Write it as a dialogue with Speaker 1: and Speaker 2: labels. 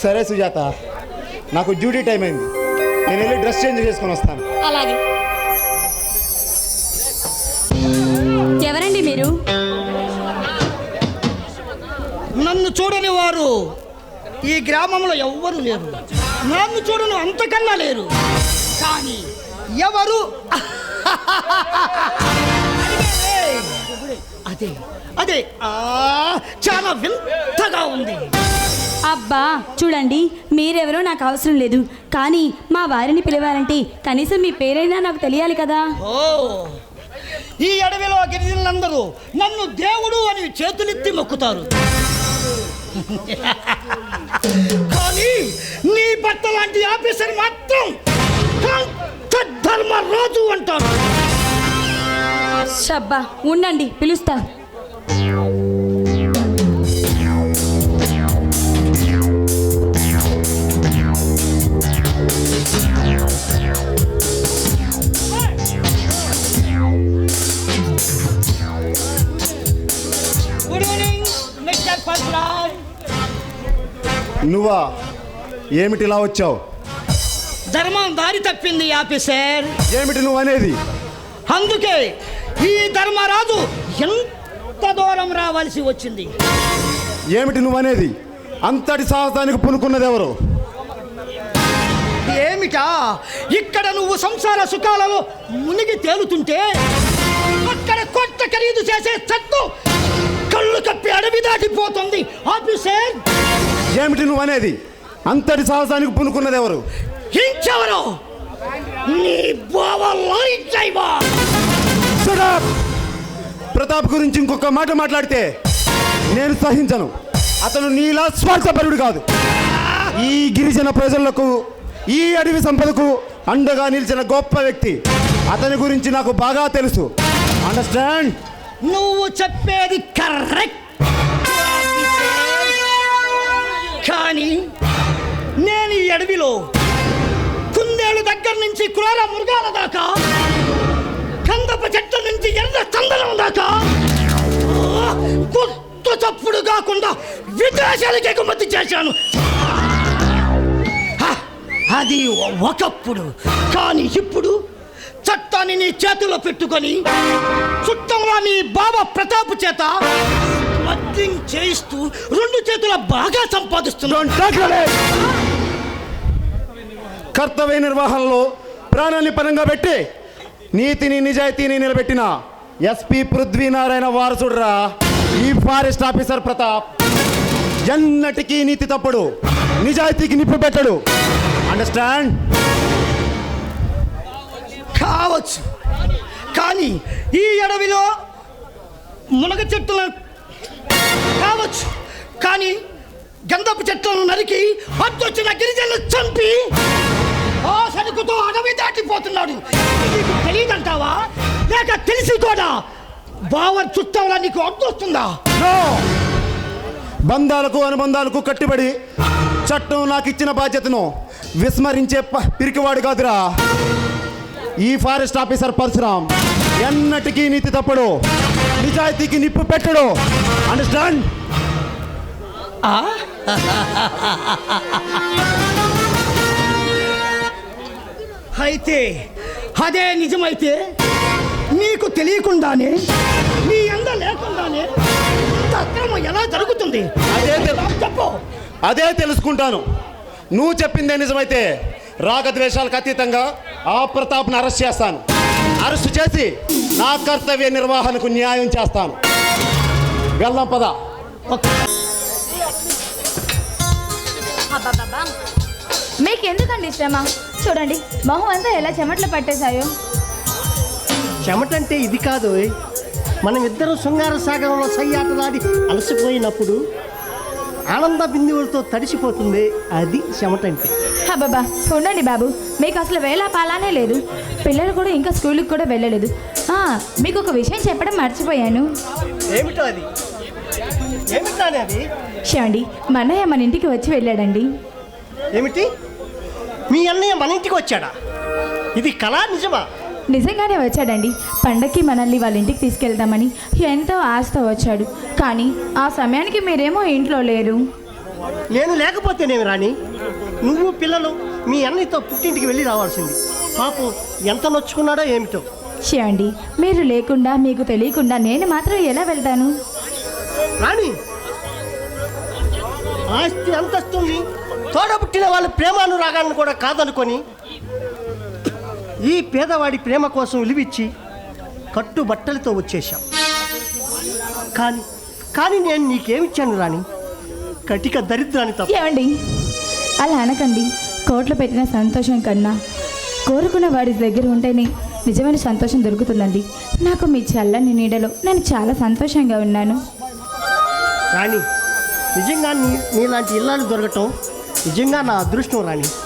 Speaker 1: సరే సుజాత, నాకు duty time అయింది, నేను వెళ్ళి డ్రెస్ చేంజ్ చేసుకొని వస్తాను.
Speaker 2: అలాగే. ఎవరండి మీరు?
Speaker 3: నన్ను చూడని వారు ఈ గ్రామంలో ఎవ్వరు లేరు. నన్ను చూడను అంతకన్నా లేరు. కానీ ఎవరు? అదే అదే చాలా వింతగా ఉంది.
Speaker 2: అబ్బా చూడండి, మీరెవరో నాకు అవసరం లేదు, కానీ మా వారిని పిలవాలంటే కనీసం మీ పేరైనా నాకు తెలియాలి కదా.
Speaker 3: ఓ, ఈ అడవిలో గిరిజనులందరూ నన్ను దేవుడు అని చేతులెత్తి మొక్కుతారు. కానీ నీ భర్త లాంటి ఆఫీసర్ మాత్రం ధర్మరాజు అంటారు.
Speaker 2: షబ్బా, ఉండండి పిలుస్తా.
Speaker 3: Good evening mister Padmaraj.
Speaker 1: నువ్వా? ఏమిటి ఇలా వచ్చావు?
Speaker 3: ధర్మం దారి తప్పింది ఆఫీసర్.
Speaker 1: ఏమిటి నువ్వు అనేది?
Speaker 3: అందుకే ఈ ధర్మరాజు ఎంత దూరం రావాల్సి వచ్చింది.
Speaker 1: ఏమిటి నువ్వు అనేది? అంతటి సాహసానికి పునుకున్నది ఎవరు?
Speaker 3: ఏమిటా? ఇక్కడ నువ్వు సంసార సుఖాలలో మునిగి తేలుతుంటే అక్కడ కొత్త ఖరీదు చేసే చట్టు కళ్ళు కప్పి అడవి దాటిపోతుంది ఆఫీసర్.
Speaker 1: ఏమిటి నువ్వు అనేది? అంతటి సాహసానికి పునుకున్నది ఎవరు?
Speaker 3: ఇంకెవరు? నీ బావ లారీ డ్రైవర్.
Speaker 1: ప్రతాప్ గురించి ఇంకొక మాట మాట్లాడితే నేను సహించను. అతను నీలా స్వార్థపరుడు కాదు. ఈ గిరిజన ప్రజలకు, ఈ అడవి సంపదకు అండగా నిలిచిన గొప్ప వ్యక్తి. అతని గురించి నాకు బాగా తెలుసు. అండర్స్టాండ్?
Speaker 3: నువ్వు చెప్పేది కరెక్ట్. కానీ నేను ఈ అడవిలో కుందేలు దగ్గర నుంచి క్రూర మృగాల దాకా, కందప చెట్ల నుంచి ఎర్ర చందనం దాకా గుర్తు చప్పుడు కాకుండా విదేశాలకు ఎగుమతి చేశాను. అది ఒకప్పుడు. కానీ ఇప్పుడు చట్టాన్ని నీ చేతిలో పెట్టుకొని చుట్టంలో నీ బాబా ప్రతాప్ చేత మద్యం చేయిస్తూ రెండు చేతుల బాగా సంపాదిస్తున్నాను.
Speaker 1: కర్తవ్య నిర్వహణలో ప్రాణాన్ని పరంగా పెట్టి నీతిని నిజాయితీని నిలబెట్టిన ఎస్పీ పృథ్వీనారాయణ వారసుడురా ఈ ఫారెస్ట్ ఆఫీసర్ ప్రతాప్. ఎన్నటికీ నీతి తప్పుడు, నిజాయితీకి నిప్పు పెట్టడు. అండర్స్టాండ్?
Speaker 3: కావచ్చు, కానీ ఈ అడవిలో మునగ చెట్టులను కావచ్చు, కానీ గంధపు చెట్లను నరికి అద్దొచ్చిన గిరిజనులు చంపి ఆ సరుకుతో అడవి దాటిపోతున్నాడు. నీకు తెలియదంటావా? లేక తెలిసి కూడా బావర్ చుట్టంలా నీకు అడ్డొస్తుందా?
Speaker 1: బంధాలకు అనుబంధాలకు కట్టుబడి చట్టం నాకు ఇచ్చిన బాధ్యతను విస్మరించే పిరికివాడు కాదురా ఈ ఫారెస్ట్ ఆఫీసర్ పరశురామ్. ఎన్నటికీ నీతి తప్పడు, నిజాయితీకి నిప్పు పెట్టడు. అండర్స్టాండ్?
Speaker 3: అయితే అదే నిజమైతే నీకు తెలియకుండానే, నీ అంద లేకుండానే అక్రమం ఎలా జరుగుతుంది? చెప్పు.
Speaker 1: అదే తెలుసుకుంటాను. నువ్వు చెప్పిందే నిజమైతే రాగద్వేషాలకు అతీతంగా ఆ ప్రతాప్ను అరెస్ట్ చేస్తాను. అరెస్ట్ చేసి నా కర్తవ్య నిర్వహణకు న్యాయం చేస్తాను. వెళ్దాం పద.
Speaker 4: మీకు ఎందుకండి శ్రమ? చూడండి, మొహం అంతా ఎలా చెమట్లు పట్టేశాయో.
Speaker 5: చెమటంటే ఇది కాదు. మనం ఇద్దరు శృంగార సాగరంలో సయ్యాటలాడి అలసిపోయినప్పుడు ఆనంద బిందువులతో తడిసిపోతుంది, అది చెమటంటే.
Speaker 4: బాబా ఉండండి బాబు, మీకు అసలు వేళ పాలానే లేదు. పిల్లలు కూడా ఇంకా స్కూల్కి కూడా వెళ్ళలేదు. మీకు ఒక విషయం చెప్పడం మర్చిపోయాను.
Speaker 5: ఏమిటో అది? ఏమిటానే అది?
Speaker 4: చూడండి, మా అన్నయ్య మన ఇంటికి వచ్చి వెళ్ళాడండి.
Speaker 5: ఏమిటి? మీ అన్నయ్య మన ఇంటికి వచ్చాడా? ఇది కళ నిజమా?
Speaker 4: నిజంగానే వచ్చాడండి. పండక్కి మనల్ని వాళ్ళ ఇంటికి తీసుకెళ్దామని ఎంతో ఆశతో వచ్చాడు. కానీ ఆ సమయానికి మీరేమో ఇంట్లో లేరు.
Speaker 5: నేను లేకపోతేనేమి రాణి, నువ్వు పిల్లలు మీ అన్నయ్యతో పుట్టింటికి వెళ్ళి రావాల్సింది. పాపం ఎంత నొచ్చుకున్నాడో ఏమిటో.
Speaker 4: చేయండి, మీరు లేకుండా మీకు తెలియకుండా నేను మాత్రం ఎలా వెళ్తాను?
Speaker 5: రాణి, ఆస్తి అంతస్తుని తోడబుట్టిన వాళ్ళ ప్రేమానురాగాలను కూడా కాదనుకొని ఈ పేదవాడి ప్రేమ కోసం విలువిచ్చి కట్టుబట్టలతో వచ్చేశాం. కానీ నేను నీకేమిచ్చాను రాణి? కటిక దరిద్రాన్ని తప్ప.
Speaker 4: ఏమండి, అలా అనకండి. కోట్లు పెట్టిన సంతోషం కన్నా కోరుకున్న వాడి దగ్గర ఉంటేనే నిజమైన సంతోషం దొరుకుతుందండి. నాకు మీ చల్లని నీడలో నేను చాలా సంతోషంగా ఉన్నాను.
Speaker 5: రాణి, నిజంగా నీలాంటి ఇల్లాలు దొరకటం నిజంగా నా అదృష్టం రాణి.